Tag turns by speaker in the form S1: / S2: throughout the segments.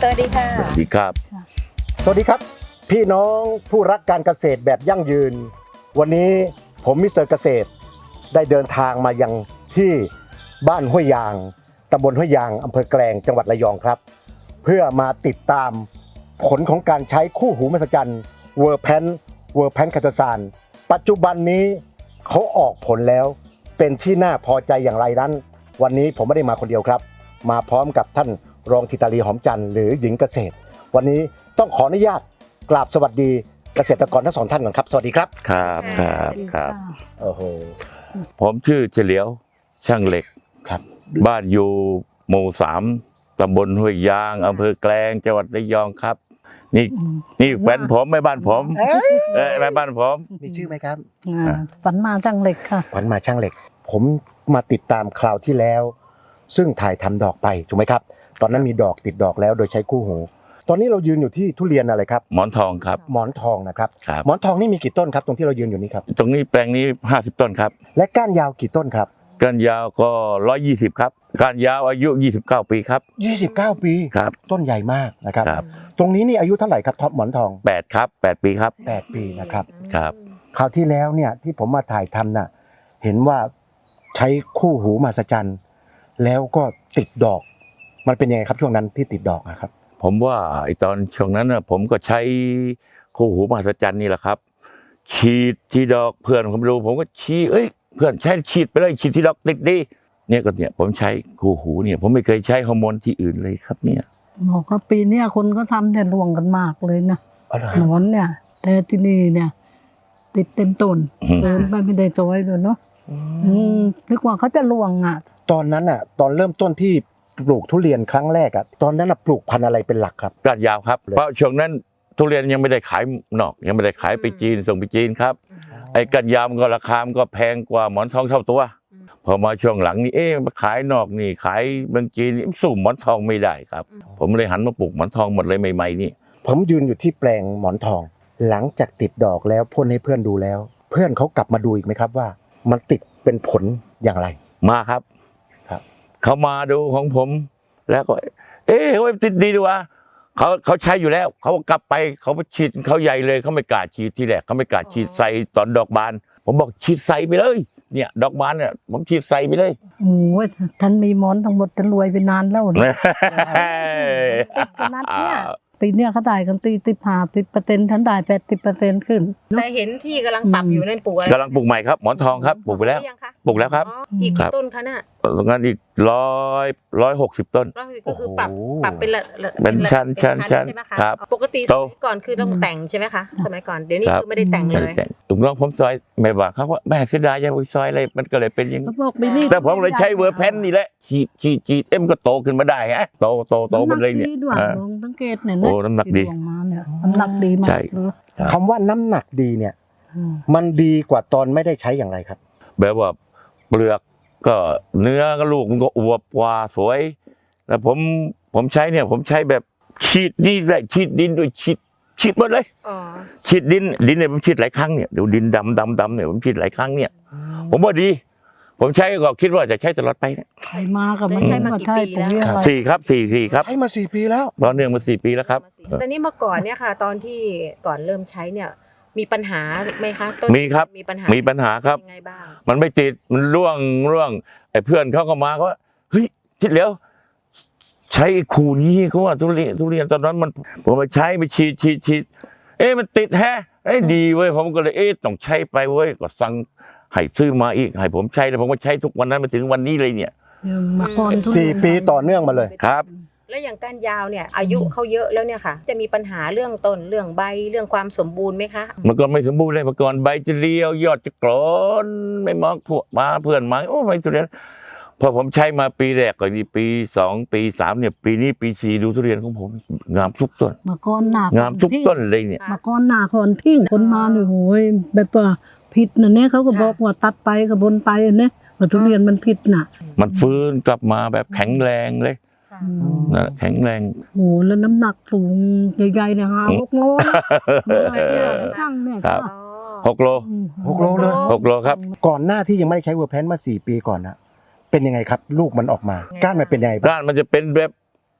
S1: วัสดีค่ะ
S2: สวัสดีครับ
S3: สวัสดีครับพี่น้องผู้รักการเกษตรแบบยั่งยืนวันนี้ผมมิสเตอร์เกษตรได้เดินทางมายังที่บ้านห้วยยางตำบลห้วยยางอำเภอแกลงจังหวัดระยองครับเพื่อมาติดตามผลของการใช้คู่หูมหัศจรรย์เวอร์แพนคาโตซานปัจจุบันนี้เขาออกผลแล้วเป็นที่น่าพอใจอย่างไรนั้นวันนี้ผมไม่ได้มาคนเดียวครับมาพร้อมกับท่านรองธิตาลีหอมจันทร์หรือหญิงเกษตรวันนี้ต้องขออนุญาตกราบสวัสดีเกษตรกรทั้งสองท่านก่อนครับสวัสดีครับ
S2: ครับ
S3: โอ้โห
S2: ผมชื่อเฉลียวช่างเหล็ก
S3: ครับ
S2: บ้านอยู่หมู่3ตำบลห้วยยางอำเภอแกลงจังหวัดระยองครับนี่แฟนผมไม่บ้านผมไม่บ้านผม
S3: มีชื่อไหมครับ
S1: ฝันมาช่างเหล็กค่ะ
S3: ฝันมาช่างเหล็กผมมาติดตามคราวที่แล้วซึ่งถ่ายทำดอกไปถูกไหมครับตอนนั้นมีดอกติดดอกแล้วโดยใช้คู่หูตอนนี้เรายืนอยู่ที่ทุเรียนอะไรครับ
S2: หมอนทองครับ
S3: หมอนทองนะครับหมอนทองนี่มีกี่ต้นครับตรงที่เรายืนอยู่นี้ครับ
S2: ตรงนี้แปลงนี้50ต้นครับ
S3: และก้านยาวกี่ต้นครับ
S2: ก้านยาวก็120ครับก้านยาวอายุ29ปีครับ
S3: 29ปี
S2: ครับ
S3: ต้นใหญ่มากนะครับตรงนี้นี่อายุเท่าไหร่ครับท็อปหมอนทอง
S2: 8ครับ8ปีครับ
S3: 8ปีนะครับ
S2: ครับ
S3: คราวที่แล้วเนี่ยที่ผมมาถ่ายทำน่ะเห็นว่าใช้คู่หูมหัศจรรย์แล้วก็ติดดอกมันเป็นยังไงครับช่วงนั้นที่ติดดอกนะครับ
S2: ผมว่าไอตอนช่วงนั้นนะผมก็ใช้คู่หูมหัศจรรย์นี่แหละครับฉีดที่ดอกเพื่อนผมดูผมก็ชี้เพื่อนใช้ฉีดไปเลยฉีดที่ดอกติดดีเนี่ยผมใช้คู่หูเนี่ยผมไม่เคยใช้ฮอร์โมนที่อื่นเลยครับเนี่ย
S1: บอกว่าปีนี้คนก็ทำแต่รวงกันมากเลยนะหนอนเนี่ยแต่ที่นี่เนี่ยติดเต็มต้นเดินไปไม่ได้จอยเลยเนาะนึกว่าเขาจะรวงอ่ะ
S3: ตอนนั้นอ่ะตอนเริ่มต้นที่ปลูกทุเรียนครั้งแรกอ่ะตอนนั้นปลูกพันธุ์อะไรเป็นหลักครับ
S2: ก้านยาวครับเพราะช่วงนั้นทุเรียนยังไม่ได้ขายนอกยังไม่ได้ขายไปจีนส่งไปจีนครับไอ้ก้านยาวมันก็ราคามันก็แพงกว่าหมอนทองเท่าตัวพอมาช่วงหลังนี่มาขายนอกนี่ขายเมืองจีนสู้หมอนทองไม่ได้ครับผมเลยหันมาปลูกหมอนทองหมดเลยใหม่ๆนี่
S3: ผมยืนอยู่ที่แปลงหมอนทองหลังจากติดดอกแล้วพ่นให้เพื่อนดูแล้วเพื่อนเขากลับมาดูอีกไหมครับว่ามันติดเป็นผลอย่างไร
S2: มาครับเขามาดูของผมแล้วก็เขาติดดีดีวะเขาใช้อยู่แล้วเขากลับไปเขาไปฉีดเขาใหญ่เลยเขาไม่กล้าฉีดทีแรกเขาไม่กล้าฉีดใส่ตอนดอกบานผมบอกฉีดใส่ไปเลยเนี่ยดอกบานเนี่ยผมฉีดใส่ไปเลย
S1: โอ้ยท่านมีหมอนทั้งหมดจะรวยไปนานแล้วขนาดเนี่ยปีเนี้ยเขาได้กัน10% ท่านได้80%ขึ้น
S4: แต่เห็นที่กำลังปรับอยู่นั่นปลูกอะไร
S2: กำลังปลูกใหม่ครับหมอนทองครับปลูกไปแล้วปลูกแล้วครับ
S4: อีกต้นคะน่ะ
S2: ตรงนั้นอีก160ต้น
S4: ก็คือปรับ
S2: เป็นชั้น
S4: ครับปกติสมัยก่อนคือต้องแต่งใช่ไหมคะสมัยก่อนเดี๋ยวนี้คือไม่ได้แต่งเลย
S2: ถูกต้องผมซอยไม่ว่าเขาว่าแม่เสียดายยังไปซอยอะไรมันก็เลยเป็นอย่าง
S1: นี้
S2: แต่ผมเลยใช้เวอร์แพนนี่แหละฉีดมันก็โตขึ้นมาได้ฮะโตมันเลยเนี่ย
S1: สังเกตเนี่ย
S2: โอ้น้ำหนักดี
S1: น้ำหนักดีมาก
S3: คำว่าน้ำหนักดีเนี่ยมันดีกว่าตอนไม่ได้ใช้อย่างไรครับ
S2: แบบว่าเปลือกก็เนื้อก็ลูกมันก็อวบกว่าสวยแล้วผมใช้เนี่ยผมใช้แบบฉีดนี่ได้ฉีดดินด้วยฉีดหมดเลยฉีดดินเนี่ยผมฉีดหลายครั้งเนี่ยเดี๋ยวดินดำเนี่ยผมฉีดหลายครั้งเนี่ยผมว่าดีผมใช้ก็คิดว่าจะใช้ตลอดไปเนี่ย
S1: ใช้มากับไม่ใช่มากี่ปีแล้ว
S2: 4ครับ
S3: ใช้มา4ปีแล้ว
S2: ตอนเนื่องมา4ปีแล้วครับ
S4: แต่นี่เมื่อก่อนเนี่ยค่ะตอนที่ก่อนเริ่มใช้เนี่ยมีปัญหาไหมคะ
S2: มีครับมีปัญหาครับ
S4: ยังไงบ้าง
S2: มันไม่ติดมันร่วงไอ้เพื่อนเขาก็มาเขาว่าเฮ้ยคิดแล้วใช้ขู่นี้เขาว่าทุเรียนตอนนั้นมันผมไปใช้ไปฉีดมันติดแฮะดีเว้ยผมก็เลยต้องใช้ไปเว้ยก็สั่งให้ซื้อมาอีกให้ผมใช้แล้วผมก็ใช้ทุกวันนั้นมาถึงวันนี้เลยเนี่ย
S3: 4 ปีต่อเนื่องมาเลย
S2: ครับ
S4: แล้วอย่างก้านยาวเนี่ยอายุเขาเยอะแล้วเนี่ยค่ะจะมีปัญหาเรื่องต้นเรื่องใบเรื่องความสมบูรณ์ไหมคะ
S2: เมื่อก่อนไม่สมบูรณ์เลยเมื่อก่อนใบจะเรียวยอดจะกรอนไม่มองพวกมาเพื่อนมาไม่ทุเรียนพอผมใช้มาปีแรกก็ดีปี2ปี3เนี่ยปีนี้ปี4ดูทุเรียนของผมงามทุกต้น
S1: เมื่อก่อนหนาง
S2: ามทุกต้นเลยเนี่ย
S1: เมื่อก่อนหนาคนทิ้งคนมาเนี่ยโหยแบบว่าผิดนะเนี่ยเขาก็บอกว่าตัดไปกับบนไปเนี่ยว่าทุเรียนมันผิดน่ะ
S2: มันฟื้นกลับมาแบบแข็งแรงเลยแข็งแรง
S1: โอ้แล้วน้ำหนักสูงใหญ่ๆเนี่ย6 โลตั้งเนี่ย
S2: ครับ6 โล
S3: เลย
S2: 6 โลครับ
S3: ก่อนหน้าที่ยังไม่ได้ใช้เวอร์แพนมา4 ปีก่อนนะเป็นยังไงครับลูกมันออกมาก้านมันเป็นยังไง
S2: ก้านมันจะเป็นแบบ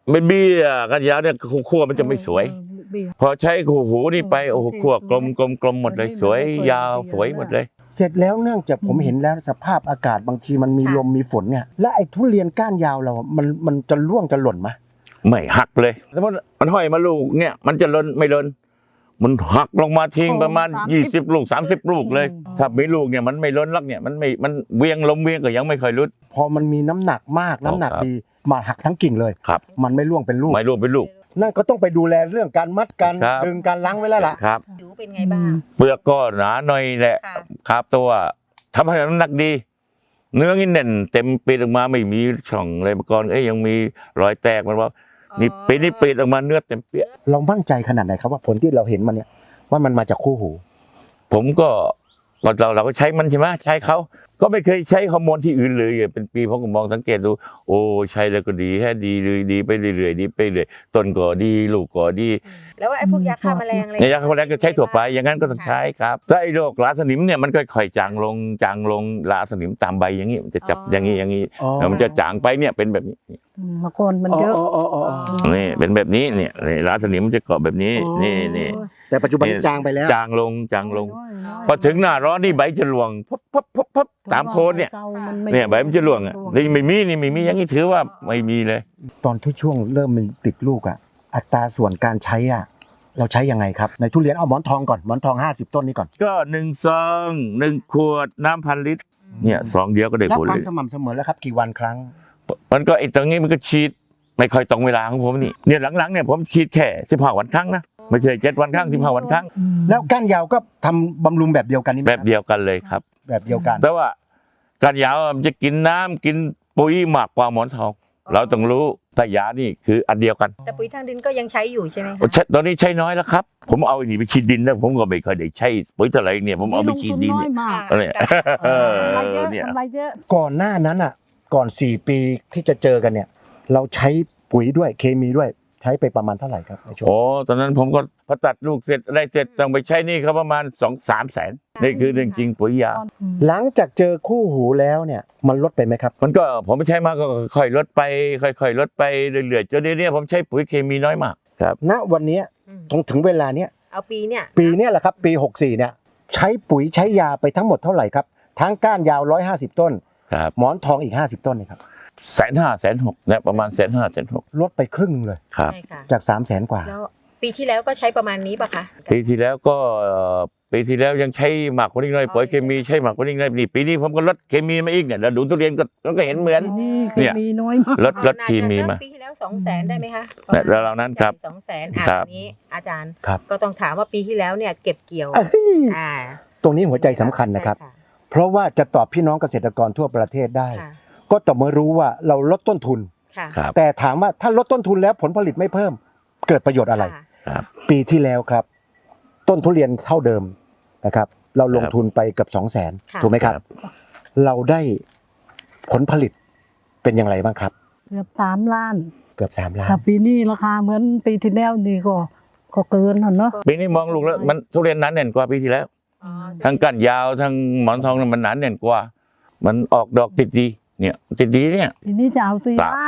S2: เป็นเบี้ยกันยาวเนี่ยขั้วมันจะไม่สวย พอใช้คู่หูนี่ไปโอ้โหขั้วกลมหมดเลยสวยยาวสวยหมดเลย
S3: เสร็จแล้วเนื่องจากผมเห็นแล้วสภาพอากาศบางทีมันมีลมมีฝนเนี่ยและไอ้ทุเรียนก้านยาวเรามันจะร่วงจะหล่นไหม
S2: ไม่หักเลยสมมติมันห้อยมาลูกเนี่ยมันจะหล่นไม่หล่นมันหักลงมาทิ้งประมาณ20 ลูก30 ลูกเลย ถ้ามีลูกเนี่ยมันไม่หล่นลักเนี่ยมันเวียงลมเวียงก็ยังไม่ค่อยรุด
S3: พอมันมีน้ำหนักมากน้ำหนักดีมาหักทั้งกิ่งเลย
S2: ครับ
S3: มันไม่ร่วงเป็นลูก
S2: ไม่ร่วงเป็นลูก
S3: นั่นก็ต้องไปดูแลเรื่องการมัดการ
S2: ครับ
S3: ดึงการล้างไว้แล้วล่ะ
S2: ครับ
S4: ผิวเป็นไงบ้าง
S2: เปลือกก็หนาหน่อยแหละ
S4: ค่ะ
S2: ครับตัวทำให้น้ำหนักดี เนื้อนี่แน่นเต็มปีดออกมาไม่มีช่องเลยเมื่อก่อนยังมีรอยแตกมันว่านี่ปีนี้ปีดออกมาเนื้อเต็มเปี้ย
S3: เรามั่นใจขนาดไหนครับว่าผลที่เราเห็นมันเนี่ยว่ามันมาจากคู่หู
S2: ผมก็เราก็ใช้มันใช่ไหมใช้เขาก็ไม่เคยใช้ฮอร์โมนที่อื่นเลยเป็นปีผมก็มองสังเกตดูโอ้ใช้แล้วก็ดีแค่ดีเลยดีไปเรื่อยๆดีไปเรื่อยต้นก็ดีลูกก็ดี
S4: แล้วไอ้พวกยาฆ่าแมลงอะไร
S2: ในยาฆ่าแมลงก็ใช้ทั่วไปอย่างนั้นก็ต้องใช้ครับถ้าไอ้โรคราสนิมเนี่ยมันก็ค่อยจางลงราสนิมตามใบอย่างนี้มันจะจับอย่างนี้แล้วมันจะจางไปเนี่ยเป็นแบบนี้
S1: มาก่อนมันเยอะ
S2: นี่เป็นแบบนี้เนี่ยราสนิมมันจะเกาะแบบนี้นี่
S3: แต่ปัจจุบันนี้จางไปแล้ว
S2: จางลงพอถึงหน้าร้อนนี่ใบจะร่วงพับตามโคนเนี่ยใบมันจะร่วงอ่ะนี่ไม่มีอย่างนี้ถือว่าไม่มีเลย
S3: ตอนที่ช่วงเริ่มมันติดลูกอ่ะอัตราส่วนการใช้อ่ะเราใช้ยังไงครับในทุเรียนเอาหมอนทองก่อนหมอนทอง50 ต้นนี้ก่อน
S2: ก็1 ซอง1 ขวดน้ำ1,000 ลิตรเนี่ยซองเดียวก็ได้
S3: แล้ว
S2: ผล
S3: ควา
S2: เล
S3: ม
S2: ย
S3: สม่ำเสมอแล้วครับกี่วันครั้ง
S2: มันก็ไอ้ตรงนี้มันก็ฉีดไม่ค่อยตรงเวลาของผมนี่เนี่ยหลังๆเนี่ยผมฉีดแค่15 วันครั้งนะไม่ใช่7 วันครั้ง15 วันครั้ง
S3: แล้วก้านยาวก็ทำบำรุงแบบเดียวกันนี่ไหม
S2: แบบเดียวกันเลยครับ
S3: แบบเดียวกัน
S2: แต่ว่าการยาวมันจะกินน้ำกินปุ๋ยมากกว่าหมอนทอง เราต้องรู้แต่ยานี่คืออันเดียวกัน
S4: แต่ปุ๋ยทางดินก็ยังใช้อยู่ใช่ไหมคะ
S2: ตอนนี้ใช้น้อยแล้วครับ ผมเอาไอ้นี่ไปฉีดดินแล้วผมก็ไม่เคอยได้ใช้ปุ๋ยเท่าไหร่เนี่ยผมเอาไปฉีดดิน
S1: น้อยมาก
S2: เนี่ย
S1: ทำไรเยอะ
S2: เนี่ย
S1: ทำไรเยอะ
S3: ก่อนหน้านั้นอ่ะก่อน4 ปีที่จะเจอกันเนี่ยเราใช้ปุ๋ยด้วยเคมีด้วยใช้ไปประมาณเท่าไหร่ครับในช่วง
S2: โอ้ตอนนั้นผมก็พอตัดลูกเสร็จอะไรเสร็จต้องไปใช้นี่เขาประมาณ2-3 แสนนี่คือเรื่องจริงปุ๋ยยา
S3: หลังจากเจอคู่หูแล้วเนี่ยมันลดไปไหมครับ
S2: มันก็ผมไม่ใช้มากก็ค่อยๆลดไปค่อยๆลดไปเรื่อยๆจนเดี๋ยวนี้ผมใช้ปุ๋ยเคมีน้อยมากครับ
S3: ณวันนี้
S4: อืม
S3: ถึงเวลาเนี้ย
S4: เอาปีเนี่ย
S3: ปีเนี้ยแหละครับปี64เนี่ยใช้ปุ๋ยใช้ยาไปทั้งหมดเท่าไหร่ครับทั้งก้านยาว150 ต้น
S2: ครับ
S3: หมอนทองอีก50 ต้นนี่ครับ
S2: 150,000-160,000เนี่ยประมาณ150,000-160,000
S3: ลดไปครึ่งหนึงเลย
S2: ครับ
S4: ใช่ค่ะ
S3: จาก300,000 กว่า
S4: แล้วปีที่แล้วก็ใช้ประมาณนี้ป่ะคะ
S2: ปีที่แล้วก็ปีที่แล้วยังใช้หมักกว่านี้หน่อยปุ๋ยเคมีใช้หมักกว่านี้หน่อยนี่ปีนี้ผมก็ลดเคมีมาอีกเนี่ยแล้วดูทุเรียนก็เห็นเหมือน
S1: นี่
S2: เนี่ย
S1: มีน้อยมาก
S2: ลดเคมีมา
S4: ปีที่แล้ว200,000ได้ไหมคะ
S2: เนี่ยแล้วเรานั้นครับ
S4: 200,000
S2: ครับ
S4: อันนี้อาจารย์
S3: ครับ
S4: ก็ต้องถามว่าปีที่แล้วเนี่ยเก็บเกี่ยว
S3: เอ้ย
S4: อ่า
S3: ตรงนี้หัวใจสำคัญนะครับ
S4: ใช่
S3: เพราะว่าจะตอบพี่น้องเกษตรกรทั่วประเทศได้
S4: ค่ะ
S3: ก็ต่อเมื่อรู้ว่าเราลดต้นทุน
S4: ค่ะ
S2: ครับ
S3: แต่ถามว่าถ้าลดต้นทุนแล้วผลผลิตไม่เพิ่ม เกิดประโยชน์อะไร
S4: ค่ะ
S2: ครับ
S3: ปีที่แล้วครับ ต้นทุเรียนเท่าเดิมนะครับ เราลงทุนไปเกือบ200,000
S4: ค่ะ
S3: ถูกไหมครับ เราได้ผลผลิตเป็นอย่างไรบ้างครับ
S1: เกือบ3 ล้าน
S3: เกือบ3 ล้าน
S1: ถ้าปีนี้ราคาเหมือนปีที่แล้วนี่ก็เกินน่ะเนาะ
S2: ปีนี้มองลูกแล้วมันทุเรียนหนาแน่นกว่าปีที่แล้ว
S4: อ๋อ
S2: ทั้งก้านยาวทั้งหมอนทองมันหนาแน่นกว่า มันออกดอกติดดีเนี่ยติดดีเนี่ย
S1: ปีนี้จะเอา4 ล้าน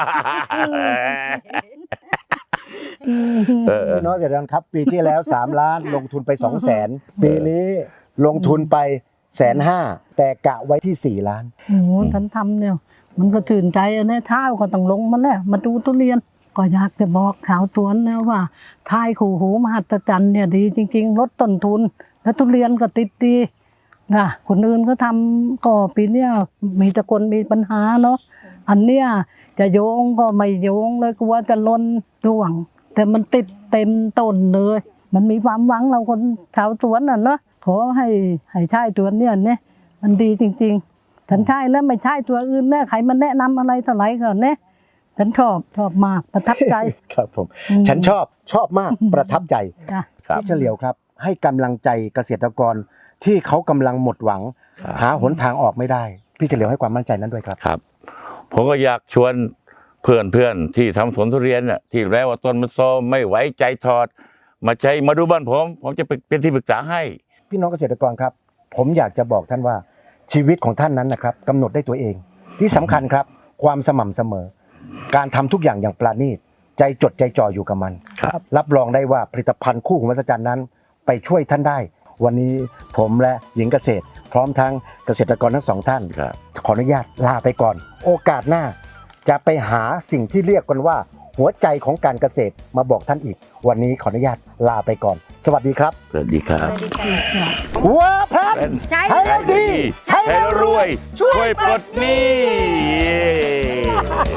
S3: พี่น้องเกษตรกรครับ ปีที่แล้ว 3 ล้านลงทุนไป 200,000 ปีนี้ลงทุนไป150,000แต่กะไว้ที่ 4 ล้าน
S1: โอ้โหท่านทำเนี่ย มันก็ตื่นใจอะเนี่ยเท้าก็ต้องลงมาแล้วมาดูทุเรียน ก็อยากจะบอกชาวสวนนะว่าทายคู่หูมหัศจรรย์เนี่ยดีจริง ๆ ลดต้นทุน แล้วทุเรียนก็ติดดีนะคนอื่นก็ทำก็ปีเนี้ยมีแต่คนมีปัญหาเนาะอันเนี้ยจะโยงก็ไม่โยงเลยกลัวจะล้นร่วง แต่มันติดเต็มต้นเลย มันมีความหวังเราคนชาวสวนน่ะเนาะขอให้ใช้ตัวเนี้ยเนี่ยมันดีจริงๆฉันใช่แล้วไม่ใช่ตัวอื่นแน่ใครมันแนะนำอะไรเท่าไหร่ก่อนเนี่ยฉันชอบมากประทับใจ
S3: ครับผม ฉันชอบมากประทับใจ
S1: จ้ะ
S2: ครับ
S3: พี่เฉลียวครับ ให้กำลังใจเกษตรกรที่เขากำลังหมดหวัง
S2: ครับ
S3: หาหนทางออกไม่ได้ พี่เฉลียวให้ความมั่นใจนั้นด้วยครับ
S2: ครับ ผมก็อยากชวนเพื่อนที่ทำสวนทุเรียนน่ะที่แล้วว่าต้นมันโซมไม่ไหวใจถอด มาดูบ้านผมจะเป็นที่ปรึกษาให้
S3: พี่น้องเกษตรกรครับ ผมอยากจะบอกท่านว่าชีวิตของท่านนั้นนะครับกำหนดได้ตัวเอง ที่สำคัญครับ ความสม่ำเสมอการทำทุกอย่างอย่างปราณีตใจจดใจจ่ออยู่กับมัน
S2: ครับ
S3: รับรองได้ว่าผลิตภัณฑ์คู่หูมหัศจรรย์นั้น ไปช่วยท่านได้ วันนี้ผมและหญิงเกษตร พร้อมทั้งเกษตรกรทั้งสองท่าน
S2: ครับ
S3: ขออนุญาตลาไปก่อน โอกาสหน้า จะไปหาสิ่งที่เรียกกันว่า หัวใจของการเกษตรมาบอกท่านอีก วันนี้ขออนุญาตลาไปก่อน สวัสดีครับ
S2: สวัสดีครับ
S3: วัวพลัน
S4: ใช่
S3: ใช้แล้วดี
S2: ใช้แล้วรวย ช่วยปลดหนี้